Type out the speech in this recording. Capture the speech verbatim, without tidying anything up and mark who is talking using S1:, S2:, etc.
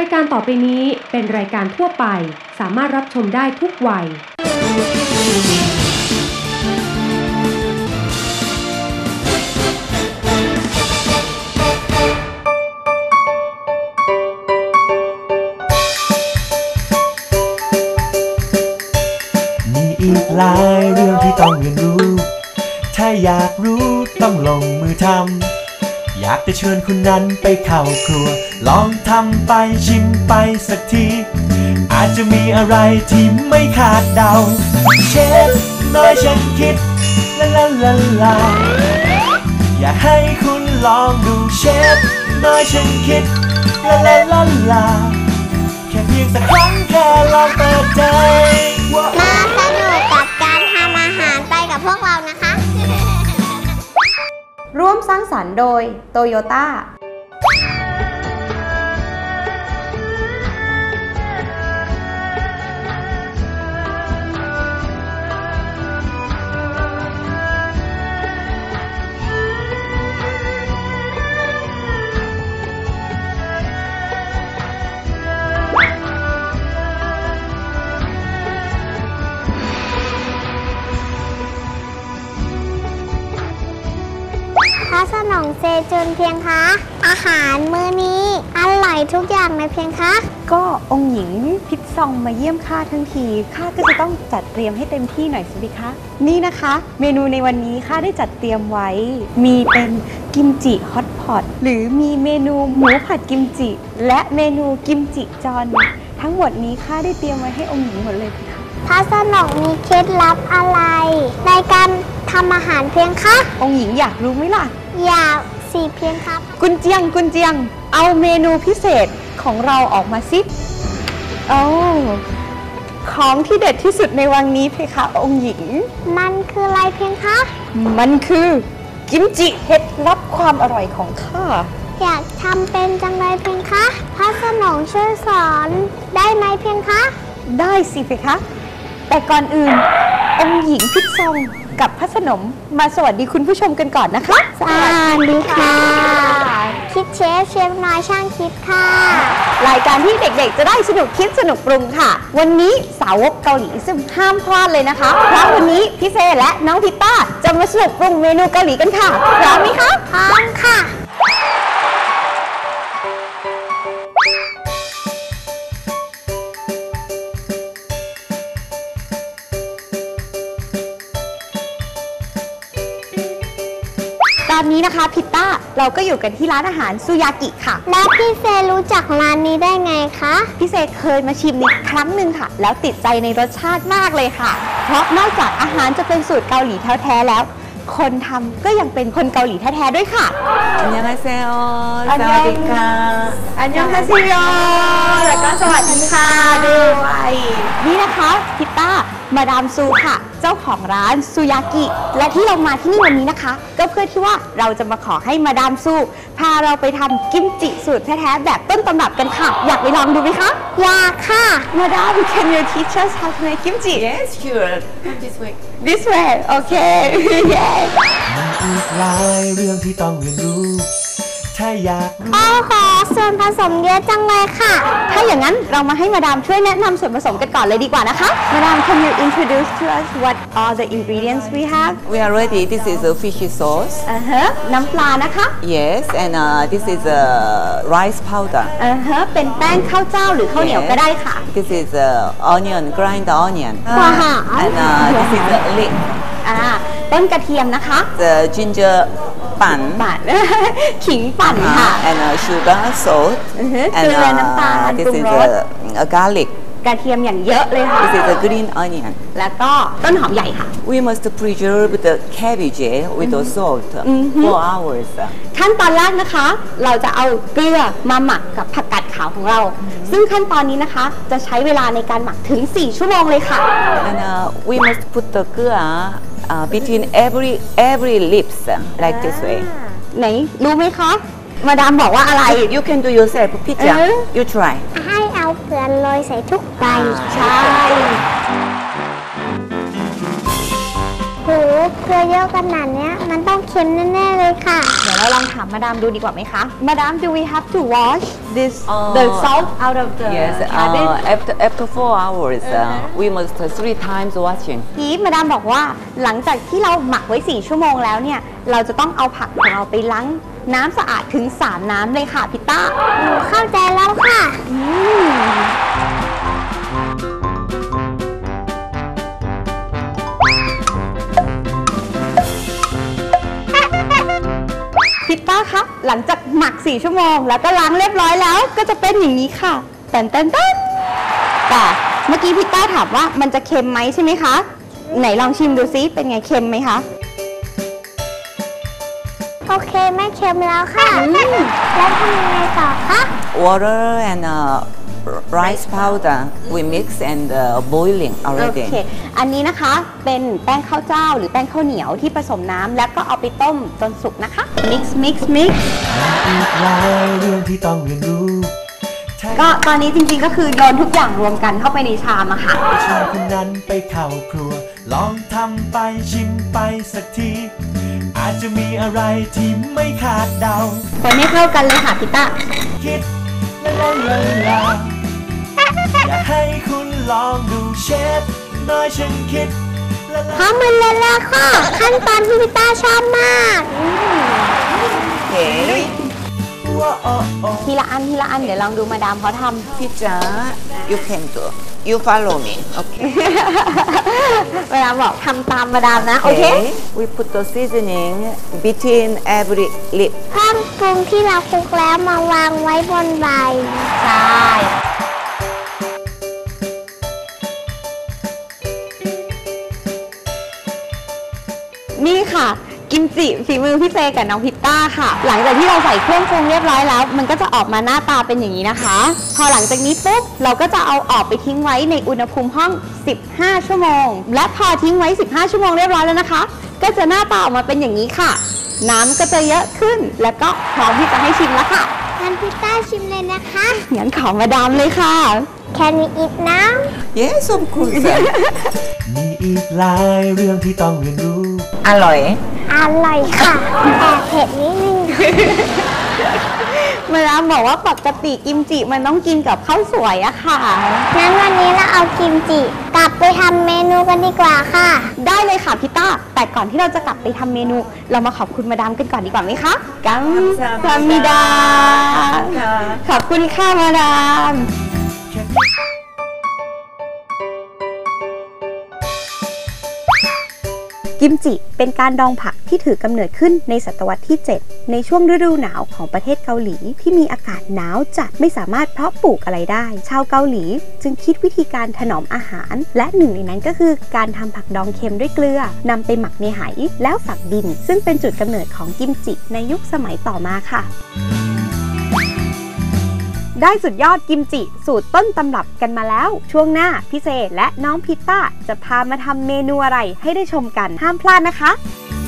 S1: ายการต่อไปนี้เป็นรายการทั่วไปสามารถรับชมได้ทุกวัย
S2: มีอีกหลายเรื่องที่ต้องเรียนรู้ถ้าอยากรู้ต้องลงมือทำอยากจะเชิญคุณนั้นไปเข้าครัวลองทำไปชิมไปสักทีอาจจะมีอะไรที่ไม่คาดเดาเชฟน้อยฉันคิดลาลาลาลาอยากให้คุณลองดูเชฟน้อยฉันคิดลาลาลาลาแค่เพียงสักครั้งแค่ลองเปิดใจ
S3: มาสนุกกับการทำอาหารไปกับพวกเรานะคะ
S4: ร่วมสร้างสรรค์โดยโตโยต้า
S3: พระสนองเซจุนเพียงคะอาหารมื้อนี้อร่อยทุกอย่างเลยเพียงคะ
S4: ก็องค์หญิงพิษซองมาเยี่ยมข้าทั้งทีข้าก็จะต้องจัดเตรียมให้เต็มที่หน่อยสิคะนี่นะคะเมนูในวันนี้ข้าได้จัดเตรียมไว้มีเป็นกิมจิฮอตพอตหรือมีเมนูหมูผัดกิมจิและเมนูกิมจิจอนทั้งหมดนี้ข้าได้เตรียมไว้ให้องค์หญิงหมดเลยค่ะ
S3: พระสนองมีเคล็ดลับอะไรในการทำอาหารเพียงคะ
S4: องค์หญิงอยากรู้ไหมล่ะ
S3: อยากสิเพียงครับ
S4: กุนเจียงกุนเจียงเอาเมนูพิเศษของเราออกมาสิโอ้ของที่เด็ดที่สุดในวันนี้เพคะองค์หญิง
S3: มันคืออะไรเพียงคะ
S4: มันคือกิมจิเห็ดลับความอร่อยของข้า
S3: อยากทำเป็นจังเลยเพียงคะพระสนองช่วยสอนได้ไหมเพียงคะ
S4: ได้สิเพคะแต่ก่อนอื่นองค์หญิงพิษซองกับพระสนมมาสวัสดีคุณผู้ชมกันก่อนนะคะ
S3: สวัสดีค่ะคิดเชฟเชฟน้อยช่างคิดค่ะ
S4: รายการที่เด็กๆจะได้สนุกคิดสนุกปรุงค่ะวันนี้สาวกเกาหลีซึ่งห้ามพลาดเลยนะคะเพราะวันนี้พี่เซและน้องพิต้าจะมาสนุกปรุงเมนูเกาหลีกันค่ะพร้อมไหมคะ
S3: พร้อมค่ะ
S4: ตอนนี้นะคะพิต้าเราก็อยู่กันที่ร้านอาหารซูยากิค่ะ
S3: แล้วพี่เซรู้จักร้านนี้ได้ไงคะ
S4: พี่เซเคยมาชิมนิดครั้งหนึ่งค่ะแล้วติดใจในรสชาติมากเลยค่ะเพราะนอกจากอาหารจะเป็นสูตรเกาหลีแท้ๆแล้วคนทำก็ยังเป็นคนเกาหลีแท้ๆด้วยค่ะ
S5: อันยองฮาเซโอสวัสดีค่ะ
S4: อันยองฮาเซโอแล้วก็สวัสดีค่ะด้วยนี่นะคะพิต้ามาดามซูค่ะเจ้าของร้านซูยากิและที่เรามาที่นี่วันนี้นะคะก็เพื่อที่ว่าเราจะมาขอให้มาดามซูพาเราไปทำกิมจิสูตรแท้ๆแบบต้นตำรับกันค่ะอยากไปลองดูไหมคะ
S3: อยากค่ะ
S4: มาดาม can you teach us how to make kimchi
S5: yes sure this way
S4: this way okay yes
S2: มีอีกหลายเรื่องที่ต้องเรียนรู้ถ้าอยากรู้
S3: โอ้โหส่วนผสมเยอะจังเลยค่ะ
S4: ถ้าอย่างนั้นเรามาให้มาดามช่วยแนะนำส่วนผสมกันก่อนเลยดีกว่านะคะมาดาม can you introduce to us what are the ingredients we have
S5: we are ready this is a fishy sauce
S4: อ่าฮะน้ำปลานะคะ
S5: yes and uh, this is a rice powder
S4: อ่าฮะเป็นแป้งข้าวเจ้าหรือข้าวเหนียวก็ได้ค่ะ
S5: this is uh, onion grind onion
S3: ว้าว
S5: and uh, this is a leek
S4: อ่าต้นกระเทียมนะคะ
S5: the gingerปั่น
S4: ปั่นขิงปั่นค่ะ
S5: and uh, sugar salt
S4: เกลือน้ำตาลปรุงรส
S5: a garlic
S4: กระเทียมอย่างเยอะเลยค่ะ
S5: this is a green onion
S4: แล้วก็ต้นหอมใหญ่ค่ะ
S5: we must preserve the cabbage with the salt for hours
S4: ขั้นตอนแรกนะคะเราจะเอาเกลือมาหมักกับผักกาดขาวของเราซึ่งขั้นตอนนี้นะคะจะใช้เวลาในการหมักถึงสี่ชั่วโมงเลยค่ะ
S5: and uh, we must put the เกลือUh, between every every lips like this way
S4: ไหนรู้ไหมคะมาดามบอกว่าอะไร
S5: you can do yourself พี่จ๋า you try
S3: ให้เอาเกลือโรยใส่ทุกใบ
S4: ใช่
S3: โหเกลือเยอะขนาดเนี้ยมันต้องเค็มแน่ๆเลยค่ะ
S4: เดี๋ยวเราลองถามมาดามดูดีกว่าไหมคะ มาดาม do we have to wash this
S5: Uh,
S4: the salt out of the
S5: Yes,
S4: cabbage
S5: uh, after after four hours, uh, we must uh, three times washing.
S4: ทีมาดามบอกว่าหลังจากที่เราหมักไว้สี่ชั่วโมงแล้วเนี่ยเราจะต้องเอาผักของเราไปล้างน้ำสะอาดถึงสามน้ำเลยค่ะพิต้า
S3: หนูเข้าใจแล้วค่ะ
S4: พิต้าครับหลังจากหมักสี่ชั่วโมงแล้วก็ล้างเรียบร้อยแล้วก็จะเป็นอย่างนี้ค่ะแตนแตนแตนแต่เมื่อกี้พิต้าถามว่ามันจะเค็มไหมใช่ไหมคะไหนลองชิมดูซิเป็นไงเค็มไหมคะ
S3: โอเคไม่เค็มแล้วค่ะ แล้วทำยังไงต่อคะ
S5: Water and uh, rice powder we mix and uh, boiling
S4: โอ
S5: already.
S4: เค อันนี้นะคะเป็นแป้งข้าวเจ้าหรือแป้งข้าวเหนียวที่ผสมน้ำแล้วก็เอาไปต้มจนสุกนะคะ mix mix mix
S2: อีกหลายเรื่องที่ต้องเรียนรู้ถ้า
S4: ก็ตอนนี้จริงๆก็คือโยนทุกอย่างรวมกันเข้าไปในชามอะค่ะ
S2: ชวนคนนั้นไปเข้าครัว ลองทำไปชิมไปสักที อาจจะมีอะไรที่ไม่คาดเดา
S4: คนให้เข้ากันเลยค่ะพิต้า
S2: คิดละละละละอยากให้คุณลองดูเชฟน้อยฉันคิดละละ
S3: พร้อมมันเลยแล้วค่ะ ขั้นตอนที่พี่ต้าชอบมาก
S5: Okay.
S2: ว่าโอ้โอ้
S4: ทีละอันทีละอันเดี๋ยวลองดูมาดามเขาท
S5: Pizza, you can do. You follow me. Okay.
S4: ำ เวลาบอกทำตามมาดามนะ โอเค
S5: We put the seasoning between every lip.
S3: เพิ่มปรุงที่เราคลุกแล้วมาวางไว้บนใบ
S4: ใช่ นี่ค่ะ กิมจิฝีมือพี่เฟย์กับน้องพิตต้าค่ะ หลังจากที่เราใส่เครื่องปรุงเรียบร้อยแล้ว มันก็จะออกมาหน้าตาเป็นอย่างนี้นะคะ พอหลังจากนี้ปุ๊บเราก็จะเอาออกไปทิ้งไว้ในอุณหภูมิห้อง สิบห้า ชั่วโมง และพอทิ้งไว้ สิบห้า ชั่วโมงเรียบร้อยแล้วนะคะ ก็จะหน้าตาออกมาเป็นอย่างนี้ค่ะ น้ำก็จะเยอะขึ้น แล้วก็พร้อมที่จะให้ชิมแล้วค่ะ
S3: งั้นพี่ต้าชิมเลยนะคะ
S4: งั้นขอมาดามเลยค่ะ
S3: Can we eat now
S5: Yes, of course.
S2: มีอีกหลายเรื่องที่ต้องเรียนรู้
S5: อร่อย
S3: อร่อยค่ะแต่เผ็ดนิดนึง
S4: มาดามบอกว่าปกติกิมจิมันต้องกินกับข้าวสวยอะค่ะ
S3: งั้นวันนี้เราเอากิมจิกลับไปทำเมนูกันดีกว่าค่ะ
S4: ได้เลยค่ะพี่ต้า แต่ก่อนที่เราจะกลับไปทำเมนู เรามาขอบคุณมาดามกันก่อนดีกว่าไหมคะกัมซามิดา ขอบคุณค่ะมาดาม กิมจิเป็นการดองผักที่ถือกำเนิดขึ้นในศตวรรษที่ เจ็ด ในช่วงฤดูหนาวของประเทศเกาหลีที่มีอากาศหนาวจัดไม่สามารถเพาะปลูกอะไรได้ ชาวเกาหลีจึงคิดวิธีการถนอมอาหาร และหนึ่งในนั้นก็คือการทำผักดองเค็มด้วยเกลือนำไปหมักในไหแล้วฝังดิน ซึ่งเป็นจุดกำเนิดของกิมจิในยุคสมัยต่อมาค่ะ ได้สุดยอดกิมจิสูตรต้นตำรับกันมาแล้วช่วงหน้าพี่เซและน้องพิตต้าจะพามาทำเมนูอะไรให้ได้ชมกันห้ามพลาดนะคะ